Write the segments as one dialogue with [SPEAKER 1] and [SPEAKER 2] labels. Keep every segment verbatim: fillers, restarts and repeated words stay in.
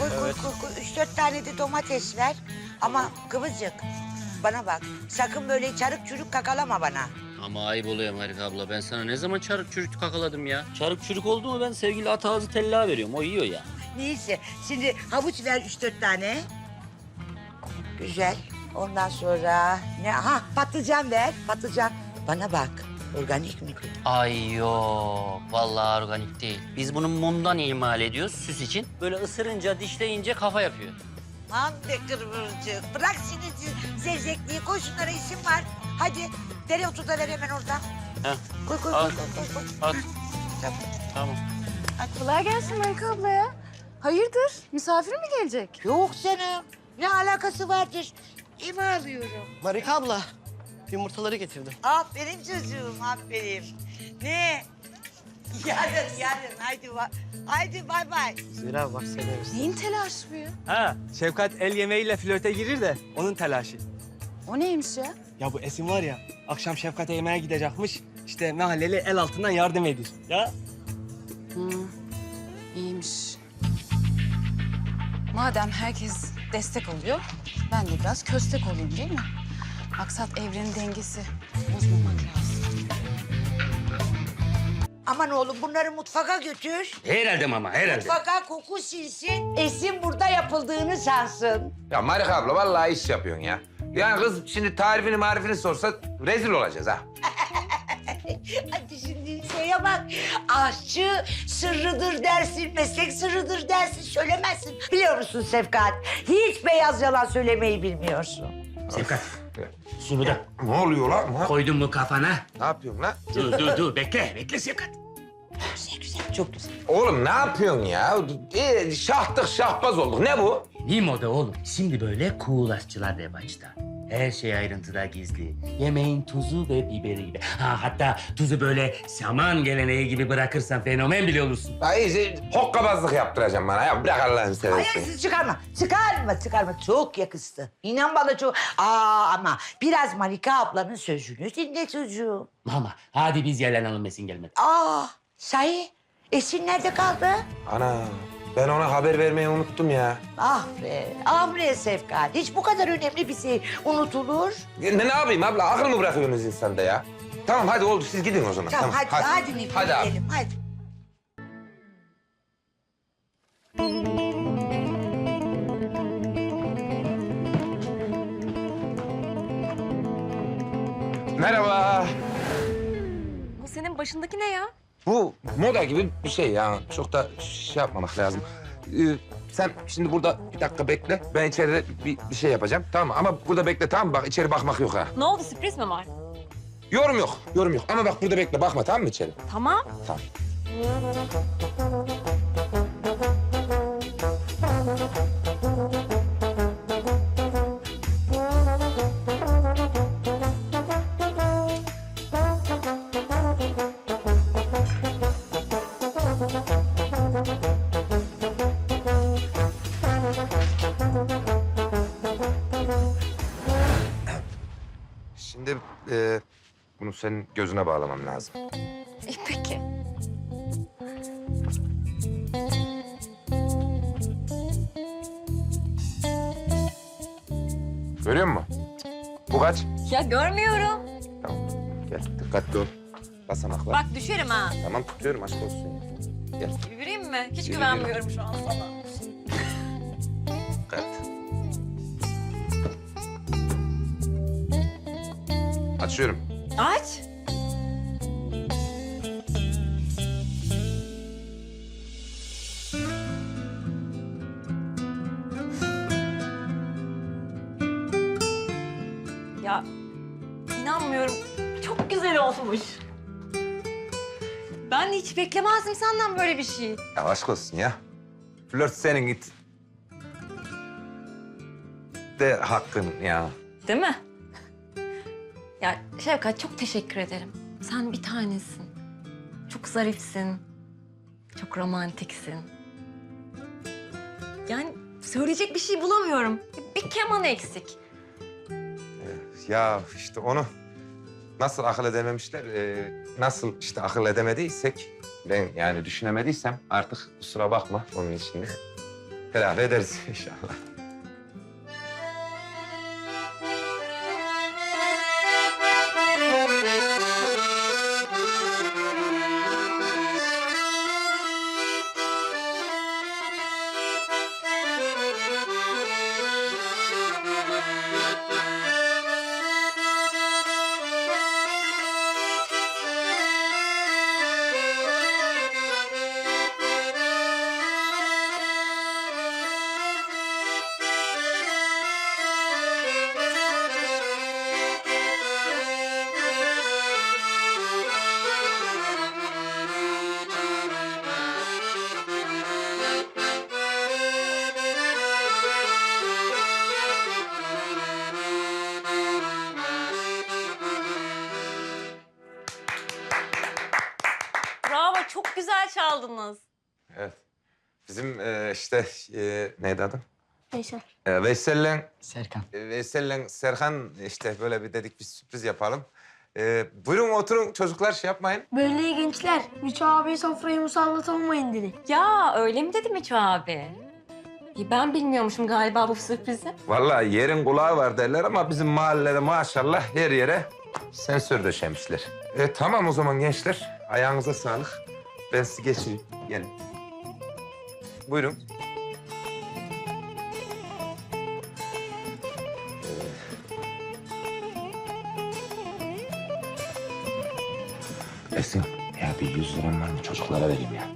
[SPEAKER 1] Koy koy
[SPEAKER 2] Evet.
[SPEAKER 1] koy koy. Üç dört tane de domates ver. Ama Kıvılcık bana bak. Sakın böyle çarık çürük kakalama bana.
[SPEAKER 2] Ama ayıp oluyor Marika abla. Ben sana ne zaman çarık çürük kakaladım ya? Çarık çürük oldu mu ben sevgili at ağzı tella veriyorum. O yiyor ya.
[SPEAKER 1] Neyse şimdi havuç ver üç dört tane. Güzel. Ondan sonra ne? Ha patlıcan ver. Patlıcan. Bana bak. Organik mi?
[SPEAKER 2] Ay yok. Vallahi organik değil. Biz bunu mumdan imal ediyoruz süs için. Böyle ısırınca, dişleyince kafa yapıyor.
[SPEAKER 1] Aman be Kıvılcık. Bırak şimdi zevzekliği. Koy şunlara isim var. Hadi dereotu da ver hemen oradan.
[SPEAKER 2] Heh.
[SPEAKER 1] Koy koy
[SPEAKER 2] Al.
[SPEAKER 1] koy koy. koy.
[SPEAKER 2] At.
[SPEAKER 1] Tamam.
[SPEAKER 2] Tamam.
[SPEAKER 3] Kolay gelsin Marika abla ya. Hayırdır? Misafir mi gelecek?
[SPEAKER 1] Yok canım. Ne alakası vardır? İma alıyorum.
[SPEAKER 4] Marika abla, yumurtaları getirdim.
[SPEAKER 1] Aferin çocuğum, aferin. Ne? Yarın, yarın. Haydi, va- haydi bay bay.
[SPEAKER 4] Zira bak severiz.
[SPEAKER 3] Neyin telaşı bu ya?
[SPEAKER 5] Ha, Şefkat el yemeğiyle flörte girir de onun telaşı.
[SPEAKER 3] O neymiş ya?
[SPEAKER 5] Ya bu Esin var ya, akşam Şefkat'e yemeğe gidecekmiş. İşte mahalleli el altından yardım edir. Ya
[SPEAKER 3] Hı, iyiymiş. Madem herkes destek oluyor, ben de biraz köstek olayım değil mi? Maksat evrenin dengesi. Bozmamak lazım.
[SPEAKER 1] Aman oğlum bunları mutfaka götür.
[SPEAKER 2] Herhalde mama, herhalde.
[SPEAKER 1] Mutfaka koku silsin. Esin burada yapıldığını sansın.
[SPEAKER 6] Ya Marika abla vallahi iş yapıyorsun ya. Yani kız şimdi tarifini marifini sorsa rezil olacağız ha.
[SPEAKER 1] Hadi şimdi şeye bak. Aşçı sırrıdır dersin, meslek sırrıdır dersin. Söylemezsin. Biliyor musun Sevkat? Hiç beyaz yalan söylemeyi bilmiyorsun.
[SPEAKER 2] Sevkat. Şunu da
[SPEAKER 6] Ne oluyor lan? Ha?
[SPEAKER 2] koydun mu kafana?
[SPEAKER 6] Ne yapıyorsun lan?
[SPEAKER 2] Dur, dur, dur. Bekle, bekle Sevkat.
[SPEAKER 1] Güzel güzel, çok güzel.
[SPEAKER 6] Oğlum ne yapıyorsun ya? Ee, şahtık şahbaz olduk. Ne bu?
[SPEAKER 2] Yeni moda oğlum. Şimdi böyle cool aşçılar revaçta. Her şey ayrıntıda gizli. Yemeğin tuzu ve biberi gibi. Ha, hatta tuzu böyle şaman geleneği gibi bırakırsan fenomen bile olursun.
[SPEAKER 6] Ya iyice hokkabazlık yaptıracağım bana ya. Bırak Allah'ını seversen.
[SPEAKER 1] Ayaksız çıkarma. Çıkarma, çıkarma. Çok yakıştı. İnan bana çok... Aa ama biraz Marika ablanın sözünü dinle çocuğum.
[SPEAKER 2] Mama, hadi biz yalanalım Esin gelmedi.
[SPEAKER 1] Aa, sahi Esin nerede kaldı?
[SPEAKER 6] Ana ben ona haber vermeyi unuttum ya.
[SPEAKER 1] Ah be, ah be Sevkat. Hiç bu kadar önemli bir şey unutulur.
[SPEAKER 6] Ne, ne yapayım abla? Akıl mı bırakıyorsunuz insanda ya? Tamam hadi oldu siz gidin o zaman.
[SPEAKER 1] Tamam, hadi, hadi, hadi Nefis,
[SPEAKER 6] Hadi abi.
[SPEAKER 1] gidelim, hadi.
[SPEAKER 6] Merhaba.
[SPEAKER 3] Bu senin başındaki ne ya?
[SPEAKER 6] Bu moda gibi bir şey ya. Çok da şey yapmamak lazım. Ee, sen şimdi burada bir dakika bekle. Ben içeride bir, bir şey yapacağım. Tamam mı? Ama burada bekle tamam mı? Bak içeri bakmak yok ha.
[SPEAKER 7] Ne oldu, sürpriz mi var?
[SPEAKER 6] Yorum yok. Yorum yok. Ama bak burada bekle. Bakma tamam mı içeri?
[SPEAKER 7] Tamam.
[SPEAKER 6] Tamam. Şimdi e, bunu senin gözüne bağlamam lazım.
[SPEAKER 7] İyi peki.
[SPEAKER 6] Görüyor musun? Bu kaç?
[SPEAKER 7] Ya görmüyorum.
[SPEAKER 6] Tamam. Gel dikkatli ol. Basamaklar.
[SPEAKER 7] Bak düşerim ha.
[SPEAKER 6] Tamam tutuyorum aşk olsun. Gel.
[SPEAKER 7] Yürüyeyim mi? Hiç
[SPEAKER 6] Yürü,
[SPEAKER 7] güvenmiyorum şu an sana.
[SPEAKER 6] Dikkat. Açıyorum.
[SPEAKER 7] Aç. Ya inanmıyorum. Çok güzel olmuş. Ben de hiç beklemezdim senden böyle bir şey.
[SPEAKER 6] Ya aşk olsun ya. Flört senin git. De hakkın ya.
[SPEAKER 7] Değil mi? Ya Şevkat çok teşekkür ederim. Sen bir tanesin. Çok zarifsin. Çok romantiksin. Yani söyleyecek bir şey bulamıyorum. Bir keman eksik.
[SPEAKER 6] Ya işte onu nasıl akıl edememişler, e, nasıl işte akıl edemediysek... ...ben yani düşünemediysem artık kusura bakma onun için de. telafi ederiz inşallah.
[SPEAKER 7] Bravo, çok güzel çaldınız.
[SPEAKER 6] Evet. Bizim e, işte e, neydi adı?
[SPEAKER 7] Veysel.
[SPEAKER 6] E, Veysel'le
[SPEAKER 4] Serkan.
[SPEAKER 6] e, Veysel'le Serkan işte böyle bir dedik bir sürpriz yapalım. E, buyurun oturun çocuklar şey yapmayın.
[SPEAKER 8] Böyle gençler, Müço abi sofrayı musallat olmayın dedi.
[SPEAKER 7] Ya öyle mi dedi Miço abi? Ya ben bilmiyormuşum galiba bu sürprizi.
[SPEAKER 6] Vallahi yerin kulağı var derler ama bizim mahallede maşallah her yere sensör döşemişler. E, tamam o zaman gençler. Ayağınıza sağlık. Ben sizi geçireyim. Gelin. Buyurun. Ee, Esin, ya bir yüz liram var mı? Çocuklara vereyim ya.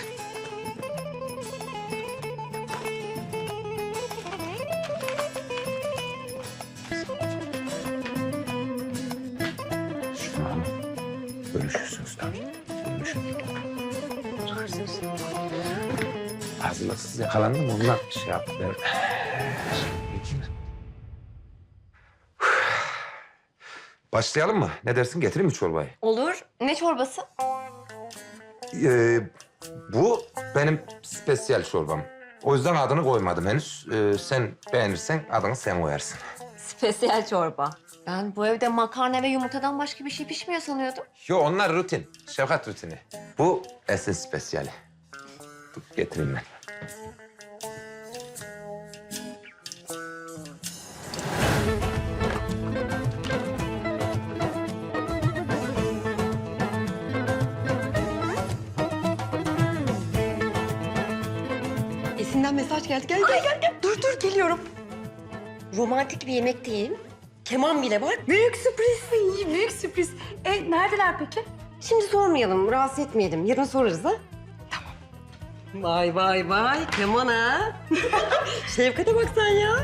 [SPEAKER 6] Şunu alın. Bölüşürsünüz tabii. Bölüşün. Hazırlıksız yakalandım ondan şey yaptı. Başlayalım mı? Ne dersin? Getireyim mi çorbayı?
[SPEAKER 7] Olur. Ne çorbası?
[SPEAKER 6] Ee, bu benim spesiyel çorbam. O yüzden adını koymadım henüz. Ee, sen beğenirsen adını sen koyarsın.
[SPEAKER 7] Spesiyel çorba. Ben bu evde makarna ve yumurtadan başka bir şey pişmiyor sanıyordum.
[SPEAKER 6] Yo onlar rutin. Şefkat rutini. Bu esin spesiyali. Dur getireyim ben.
[SPEAKER 9] Esin'den mesaj geldi. Gel, gel, gel, gel. Dur, dur, geliyorum. Romantik bir yemekteyim. Keman bile var.
[SPEAKER 8] Büyük sürpriz, iyi, büyük sürpriz. E, neredeler peki?
[SPEAKER 9] Şimdi sormayalım, rahatsız etmeyelim. Yarın sorarız ha. Tamam. Vay, vay, vay. Keman ha. Şefkat'e bak sen ya.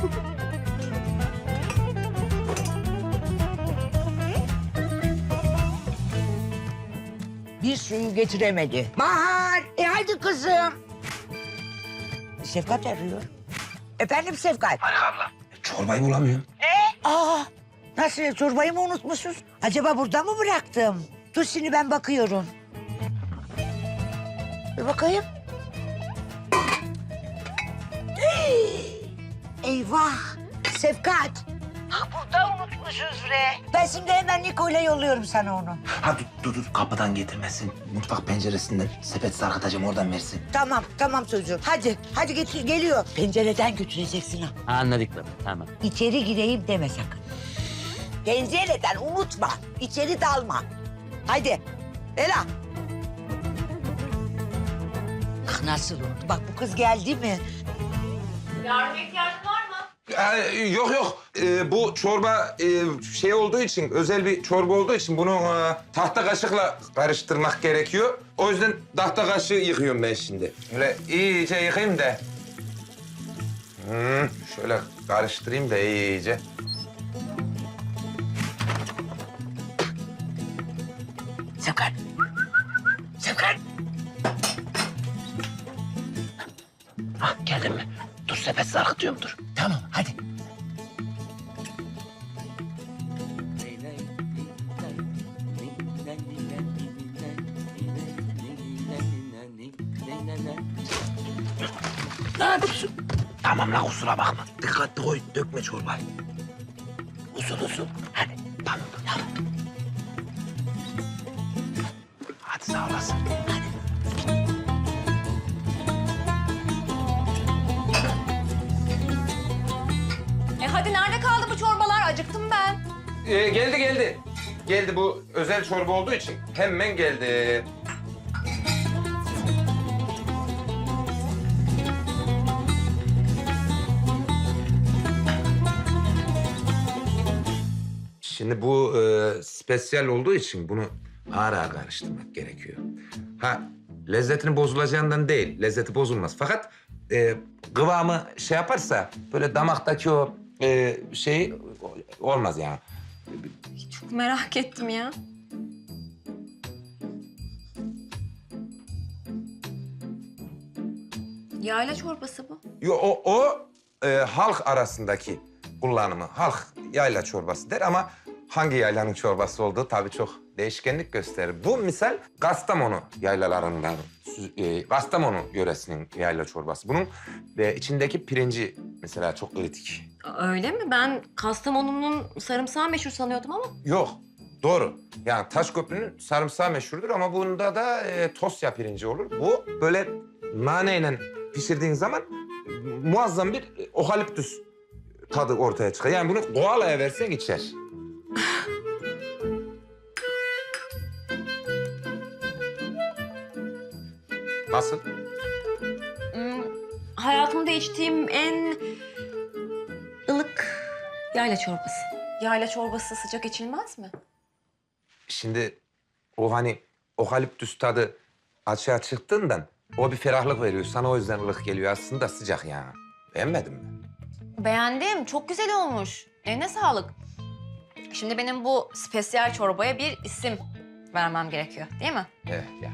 [SPEAKER 1] Bir suyu getiremedi. Bahar, e hadi kızım. Şefkat arıyor. Efendim Şefkat?
[SPEAKER 6] Çorbayı bulamıyorum.
[SPEAKER 1] Aa, nasıl çorbayı mı unutmuşuz? Acaba burada mı bıraktım? Dur şimdi ben bakıyorum. Bir bakayım. Hey! Eyvah! Şefkat! Ha, burada unutmuşuz re. Ben şimdi hemen Niko'yla yolluyorum sana onu.
[SPEAKER 10] Ha dur, dur, dur. Kapıdan getirmesin. Mutfak penceresinden sepet sarkıtacağım oradan versin.
[SPEAKER 1] Tamam, tamam çocuğum. Hadi, hadi getir, geliyor. Pencereden götüreceksin ha.
[SPEAKER 2] Anladık baba, tamam.
[SPEAKER 1] İçeri gireyim deme sakın. Pencereden unutma. İçeri dalma. Haydi. Ela. Ah nasıl unuttu? Bak bu kız geldi mi?
[SPEAKER 7] Yardım ihtiyacın var mı?
[SPEAKER 6] Ee, yok yok. Ee, bu çorba e, şey olduğu için, özel bir çorba olduğu için bunu e, tahta kaşıkla karıştırmak gerekiyor. O yüzden tahta kaşığı yıkıyorum ben şimdi. Böyle iyice yıkayayım da. Hmm, şöyle karıştırayım da iyice.
[SPEAKER 1] Sevkat. Sevkat.
[SPEAKER 10] Ah geldin mi? Dur sepet sarkıtıyorum dur. Tamam hadi. Ne yapıyorsun? Tamam la kusura bakma. Dikkatli koy dökme çorbayı. Usul usul. Hadi tamam tamam. Hadi sağ olasın. Hadi.
[SPEAKER 3] Hadi nerede kaldı bu çorbalar? Acıktım ben.
[SPEAKER 6] Ee, geldi geldi. Geldi, bu özel çorba olduğu için hemen geldi. Şimdi bu e, spesiyel olduğu için bunu ağır ağır karıştırmak gerekiyor. Ha, lezzetini bozulacağından değil, lezzeti bozulmaz. Fakat e, kıvamı şey yaparsa böyle damaktaki o e, şey olmaz yani.
[SPEAKER 7] Çok merak ettim ya. Yayla çorbası bu.
[SPEAKER 6] Yo, o, o e, halk arasındaki kullanımı. Halk yayla çorbası der ama hangi yaylanın çorbası olduğu tabii çok değişkenlik gösterir. Bu misal Kastamonu yaylalarından, e, Kastamonu yöresinin yayla çorbası. Bunun e, içindeki pirinci mesela çok kritik.
[SPEAKER 7] Öyle mi? Ben Kastamonu'nun sarımsağı meşhur sanıyordum ama.
[SPEAKER 6] Yok, doğru. Yani Taşköprü'nün sarımsağı meşhurdur ama bunda da e, tosya pirinci olur. Bu böyle naneyle pişirdiğin zaman muazzam bir okaliptüs tadı ortaya çıkar. Yani bunu koalaya versen içer. Nasıl?
[SPEAKER 7] Hmm, hayatımda içtiğim en ılık yayla çorbası. Yayla çorbası sıcak içilmez mi?
[SPEAKER 6] Şimdi o hani okaliptüs tadı açığa çıktığından o bir ferahlık veriyor. Sana o yüzden ılık geliyor. Aslında sıcak yani. Beğenmedin mi?
[SPEAKER 7] Beğendim. Çok güzel olmuş. Eline sağlık. Şimdi benim bu spesiyel çorbaya bir isim vermem gerekiyor, değil mi?
[SPEAKER 6] Evet ya.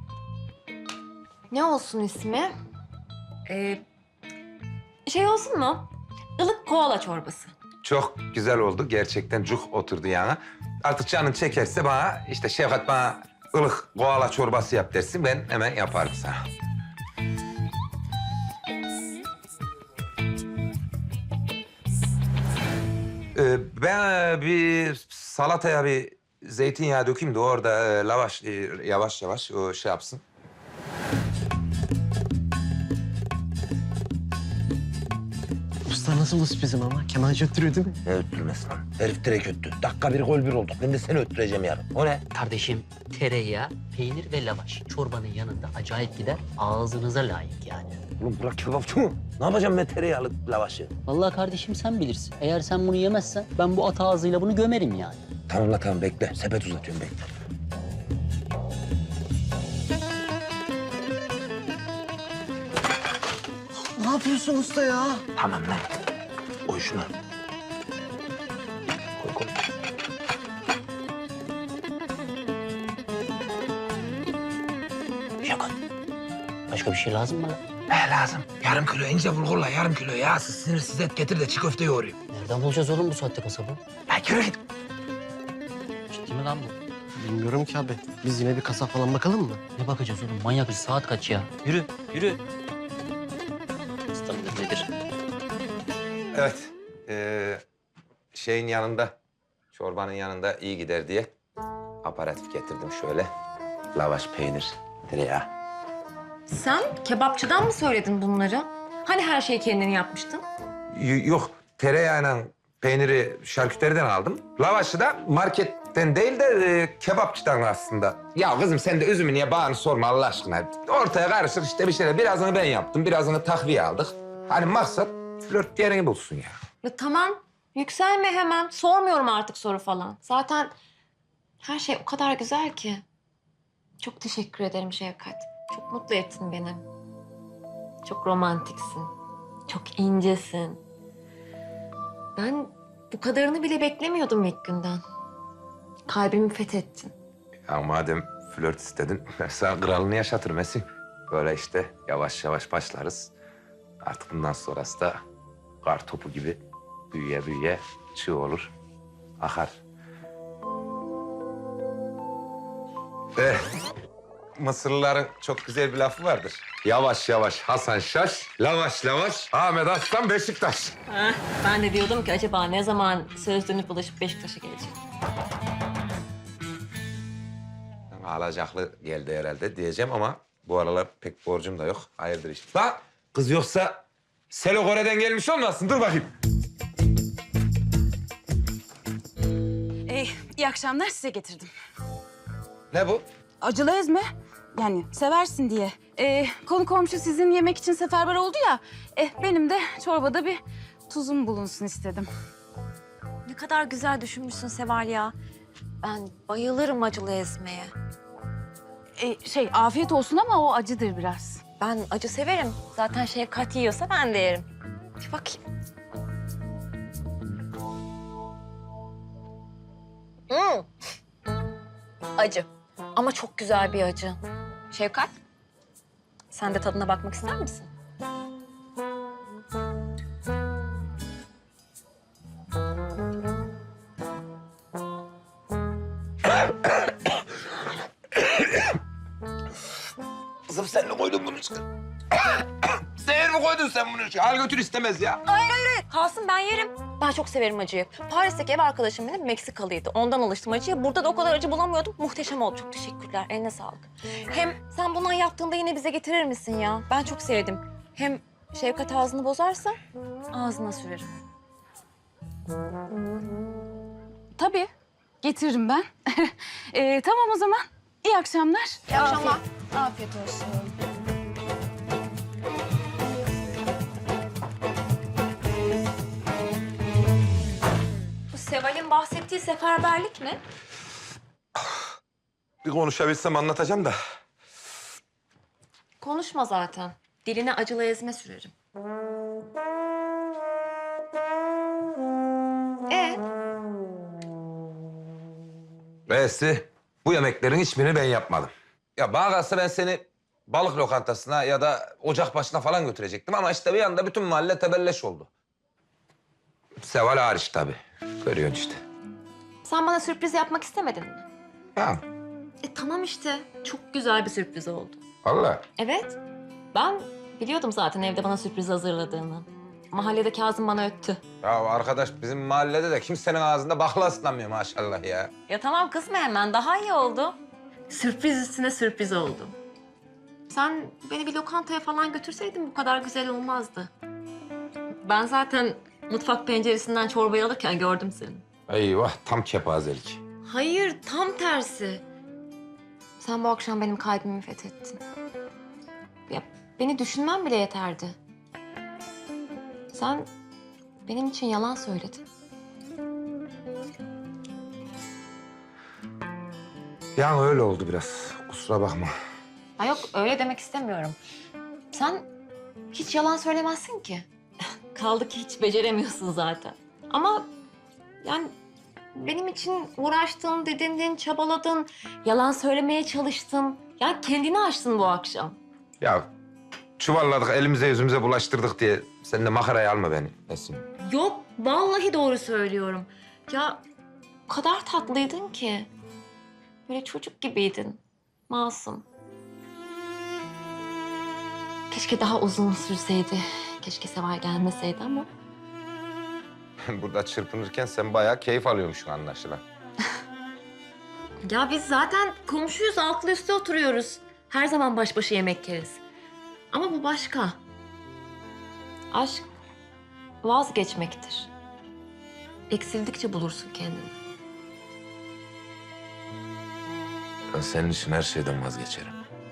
[SPEAKER 7] Ne olsun ismi? Ee, şey olsun mu? Ilık koala çorbası.
[SPEAKER 6] Çok güzel oldu. Gerçekten cuk oturdu yani. Artık canın çekerse bana işte Şevkat bana ılık koala çorbası yap dersin. Ben hemen yaparım sana. Ee, ben bir salataya bir zeytinyağı dökeyim de orada e, lavaş e, yavaş yavaş o şey yapsın.
[SPEAKER 4] Usta nasıl bu sürprizim ama? Kemancı öttürüyor değil mi?
[SPEAKER 10] Ne öttürmesi lan? Herif direkt öttü. Dakika bir gol bir olduk. Ben de seni öttüreceğim yarın. O ne?
[SPEAKER 11] Kardeşim tereyağı, peynir ve lavaş. Çorbanın yanında acayip gider. Ağzınıza layık yani.
[SPEAKER 10] Oğlum bırak kebapçı mı? Ne yapacağım ben tereyağlı lavaşı?
[SPEAKER 11] Vallahi kardeşim sen bilirsin. Eğer sen bunu yemezsen ben bu at ağzıyla bunu gömerim yani.
[SPEAKER 10] Tamam la tamam bekle. Sepet uzatıyorum bekle.
[SPEAKER 4] Ne yapıyorsun usta ya?
[SPEAKER 10] Tamam lan. Koy şunu. Koy koy.
[SPEAKER 11] Şaka. Başka bir şey lazım mı lan?
[SPEAKER 10] He lazım. Yarım kilo ince bulgurla yarım kilo yağsız sinirsiz et getir de çiğ köfte yoğurayım.
[SPEAKER 11] Nereden bulacağız oğlum bu saatte kasabı?
[SPEAKER 10] Ya yürü git.
[SPEAKER 11] Ciddi mi lan bu?
[SPEAKER 4] Bilmiyorum ki abi. Biz yine bir kasap falan bakalım mı?
[SPEAKER 11] Ne bakacağız oğlum? Manyak bir saat kaç ya? Yürü, yürü. İstanbul nedir?
[SPEAKER 6] Evet. Ee, şeyin yanında, çorbanın yanında iyi gider diye aparatif getirdim şöyle. Lavaş, peynir, tereyağı.
[SPEAKER 7] Sen kebapçıdan mı söyledin bunları? Hani her şeyi kendin yapmıştın?
[SPEAKER 6] Y- yok, tereyağıyla peyniri şarküteriden aldım. Lavaşı da marketten değil de e, kebapçıdan aslında. Ya kızım sen de üzümü niye bağını sorma Allah aşkına. Ortaya karışır işte bir şeyler. Birazını ben yaptım, birazını takviye aldık. Hani maksat flört yerini bulsun ya.
[SPEAKER 7] Ya tamam. Yükselme hemen. Sormuyorum artık soru falan. Zaten her şey o kadar güzel ki. Çok teşekkür ederim Şevkat. Çok mutlu ettin beni. Çok romantiksin. Çok incesin. Ben bu kadarını bile beklemiyordum ilk günden. Kalbimi fethettin.
[SPEAKER 6] Ya madem flört istedin, ben sana kralını yaşatırım Esin. Böyle işte yavaş yavaş başlarız. Artık bundan sonrası da kar topu gibi büyüye büyüye çığ olur, akar. Eh, Mısırlıların çok güzel bir lafı vardır. Yavaş yavaş Hasan Şaş, lavaş lavaş Ahmet Aslan Beşiktaş.
[SPEAKER 7] Heh, ben de diyordum ki acaba ne zaman söz dönüp bulaşıp Beşiktaş'a gelecek?
[SPEAKER 6] Alacaklı geldi herhalde diyeceğim ama bu aralar pek borcum da yok. Hayırdır işte. Lan kız yoksa Selo Kore'den gelmiş olmasın? Dur bakayım.
[SPEAKER 3] İyi akşamlar, size getirdim.
[SPEAKER 6] Ne bu?
[SPEAKER 3] Acılı ezme. Yani seversin diye. Ee, konu komşu sizin yemek için seferber oldu ya. Eh, benim de çorbada bir tuzum bulunsun istedim.
[SPEAKER 7] Ne kadar güzel düşünmüşsün Seval ya. Ben bayılırım acılı ezmeye.
[SPEAKER 3] Ee, şey, afiyet olsun ama o acıdır biraz.
[SPEAKER 7] Ben acı severim. Zaten Şevkat yiyorsa ben de yerim. Bir bakayım. Hmm. Acı. Ama çok güzel bir acı. Şevkat, sen de tadına bakmak ister misin?
[SPEAKER 6] Kızım sen ne koydun bunu çıkar? Seher mi koydun sen bunu? Al götür istemez ya.
[SPEAKER 7] Hayır, hayır, hayır. Kalsın, ben yerim. Ben çok severim acıyı. Paris'teki ev arkadaşım benim Meksikalıydı. Ondan alıştım acıya. Burada da o kadar acı bulamıyordum. Muhteşem oldu. Çok teşekkürler. Eline sağlık. Hem sen bundan yaptığında yine bize getirir misin ya? Ben çok sevdim. Hem Şevkat ağzını bozarsa ağzına sürerim.
[SPEAKER 3] Tabii, getiririm ben. Ee, tamam o zaman. İyi akşamlar.
[SPEAKER 7] İyi akşamlar. Afiyet olsun. Bu Seval'in bahsettiği seferberlik mi?
[SPEAKER 6] Bir konuşabilsem anlatacağım da.
[SPEAKER 7] Konuşma zaten. Diline acılı ezme sürerim. Ee,
[SPEAKER 6] Neyse, bu yemeklerin hiçbirini ben yapmadım. Ya bana kalsa ben seni balık lokantasına ya da ocak başına falan götürecektim ama işte bir anda bütün mahalle tebelleş oldu. Seval hariç tabii. Görüyorsun işte.
[SPEAKER 7] sen bana sürpriz yapmak istemedin mi?
[SPEAKER 6] Ha,
[SPEAKER 7] E tamam işte. Çok güzel bir sürpriz oldu.
[SPEAKER 6] vallahi.
[SPEAKER 7] Evet. Ben biliyordum zaten evde bana sürpriz hazırladığını. Mahallede Kazım bana öttü.
[SPEAKER 6] Ya arkadaş bizim mahallede de kimsenin ağzında bakla ıslanmıyor maşallah ya.
[SPEAKER 7] Ya tamam kızma hemen. Daha iyi oldu. Sürpriz üstüne sürpriz oldu. Sen beni bir lokantaya falan götürseydin bu kadar güzel olmazdı. Ben zaten mutfak penceresinden çorbayı alırken gördüm seni.
[SPEAKER 6] Eyvah tam kepazelik.
[SPEAKER 7] Hayır, tam tersi. Sen bu akşam benim kalbimi fethettin. Ya beni düşünmen bile yeterdi. Sen benim için yalan söyledin.
[SPEAKER 6] Yani öyle oldu biraz. Kusura bakma.
[SPEAKER 7] Ha yok, öyle demek istemiyorum. Sen hiç yalan söylemezsin ki. Kaldı ki hiç beceremiyorsun zaten. Ama yani benim için uğraştın, didindin, çabaladın, yalan söylemeye çalıştın. Ya kendini aştın bu akşam.
[SPEAKER 6] Ya çuvalladık elimize yüzümüze bulaştırdık diye sen de makaraya alma beni Esin.
[SPEAKER 7] Yok, vallahi doğru söylüyorum. Ya o kadar tatlıydın ki. Böyle çocuk gibiydin. Masum. Keşke daha uzun sürseydi. Keşke Seval gelmeseydi ama.
[SPEAKER 6] Burada çırpınırken sen bayağı keyif alıyormuşsun anlaşılan.
[SPEAKER 7] Ya biz zaten komşuyuz, altlı üstte oturuyoruz. Her zaman baş başa yemek yeriz. Ama bu başka. Aşk vazgeçmektir. Eksildikçe bulursun kendini.
[SPEAKER 6] Ben senin için her şeyden vazgeçerim.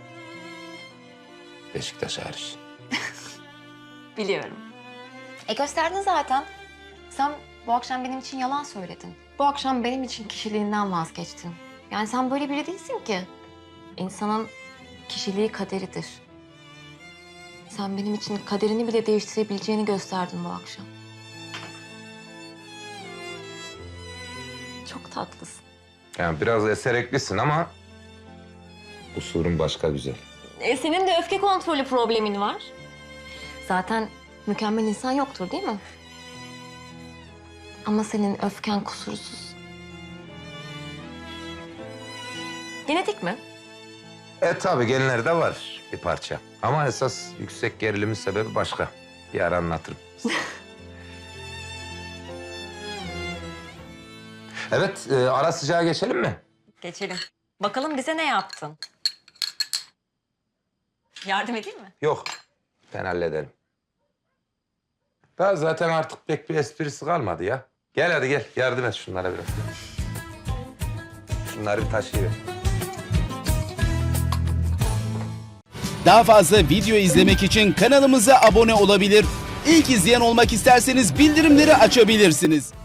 [SPEAKER 6] Beşiktaş hariç.
[SPEAKER 7] Biliyorum. E gösterdin zaten. Sen bu akşam benim için yalan söyledin. Bu akşam benim için kişiliğinden vazgeçtin. Yani sen böyle biri değilsin ki. İnsanın kişiliği kaderidir. Sen benim için kaderini bile değiştirebileceğini gösterdin bu akşam. Çok tatlısın.
[SPEAKER 6] Yani biraz esereklisin ama usulün başka güzel.
[SPEAKER 7] E, senin de öfke kontrolü problemin var. Zaten mükemmel insan yoktur değil mi? Ama senin öfken kusursuz. Genetik mi?
[SPEAKER 6] E tabii genlerde var bir parça. Ama esas yüksek gerilimin sebebi başka. Bir ara anlatırım. Evet, e, ara sıcağa geçelim mi?
[SPEAKER 7] Geçelim. Bakalım bize ne yaptın? Yardım edeyim mi?
[SPEAKER 6] Yok, ben hallederim. Daha zaten artık pek bir esprisi kalmadı ya. Gel hadi gel, yardım et şunlara biraz. Şunları bir taşıyıver.
[SPEAKER 12] Daha fazla video izlemek için kanalımıza abone olabilir. İlk izleyen olmak isterseniz bildirimleri açabilirsiniz.